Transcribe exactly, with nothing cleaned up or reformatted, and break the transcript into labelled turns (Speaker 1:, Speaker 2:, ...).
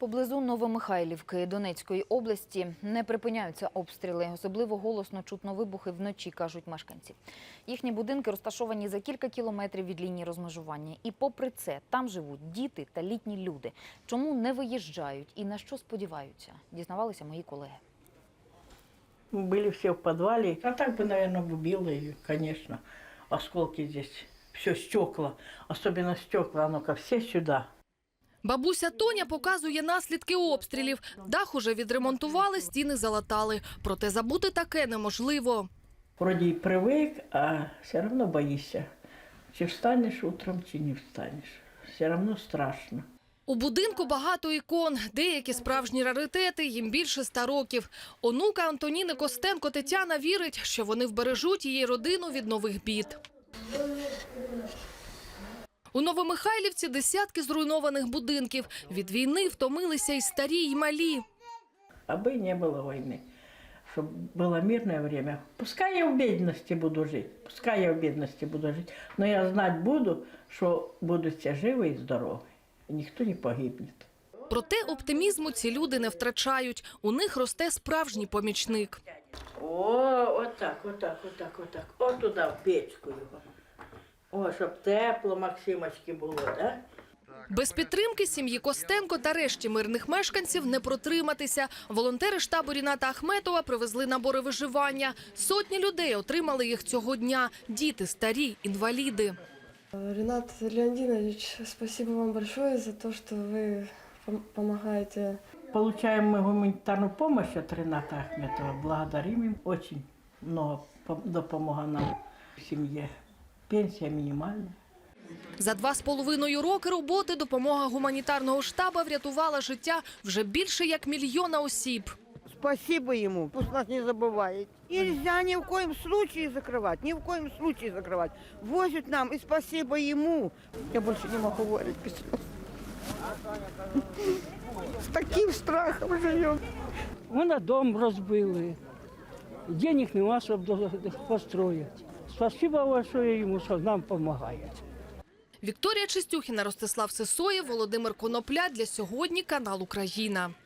Speaker 1: Поблизу Новомихайлівки Донецької області не припиняються обстріли. Особливо голосно чутно вибухи вночі, кажуть мешканці. Їхні будинки розташовані за кілька кілометрів від лінії розмежування. І попри це, там живуть діти та літні люди. Чому не виїжджають і на що сподіваються, дізнавалися мої колеги.
Speaker 2: Мы были все в подвале. А так бы, наверное, убило ее, конечно. Осколки здесь, все стекла, особенно стекла, ну-ка, все сюда.
Speaker 3: Бабуся Тоня показує наслідки обстрілів. Дах уже відремонтували, стіни залатали. Проте забути таке неможливо.
Speaker 2: Вроде и привык, а все равно боишься. Чи встанешь утром, чи не встанешь. Все равно страшно.
Speaker 3: У будинку багато ікон, деякі справжні раритети, їм більше ста років. Онука Антоніни Костенко Тетяна вірить, що вони вбережуть її родину від нових бід. У Новомихайлівці десятки зруйнованих будинків. Від війни втомилися і старі, і малі.
Speaker 2: Аби не было войны, чтобы было мирное время. Пускай я в бедности буду жить, пускай я в бедности буду жить, но я знать буду, что будут все живы и здоровы, и никто не погибнет.
Speaker 3: Проте оптимізму ці люди не втрачають. У них росте справжній помічник.
Speaker 2: О, отак, отак, отак, отак. От туди, в печку його. О, щоб тепло Максимочки було, так?
Speaker 3: Без підтримки сім'ї Костенко та решті мирних мешканців не протриматися. Волонтери штабу Ріната Ахметова привезли набори виживання. Сотні людей отримали їх цього дня. Діти, старі, інваліди.
Speaker 4: Ринат Леонидович, спасибо вам большое за то, что вы помогаете.
Speaker 2: Получаем мы гуманитарную помощь от Рената Ахметова. Благодарим им. Очень много допомога нам в семье. Пенсія мінімальна.
Speaker 3: За два з половиною роки роботи допомога гуманітарного штабу врятувала життя вже більше як мільйона осіб.
Speaker 5: Спасибо ему, пусть нас не забывает. Нельзя ни в коем случае закрывать, ни в коем случае закрывать. Возят нам, и спасибо ему. Я больше не могу говорить без слез. С таким страхом живем.
Speaker 6: Вона дом розбили, денег нема, щоб построїти. Спасибо большое йому, що нам допомагає.
Speaker 3: Вікторія Чистюхіна, Ростислав Сисоєв, Володимир Конопля. Для сьогодні канал Україна.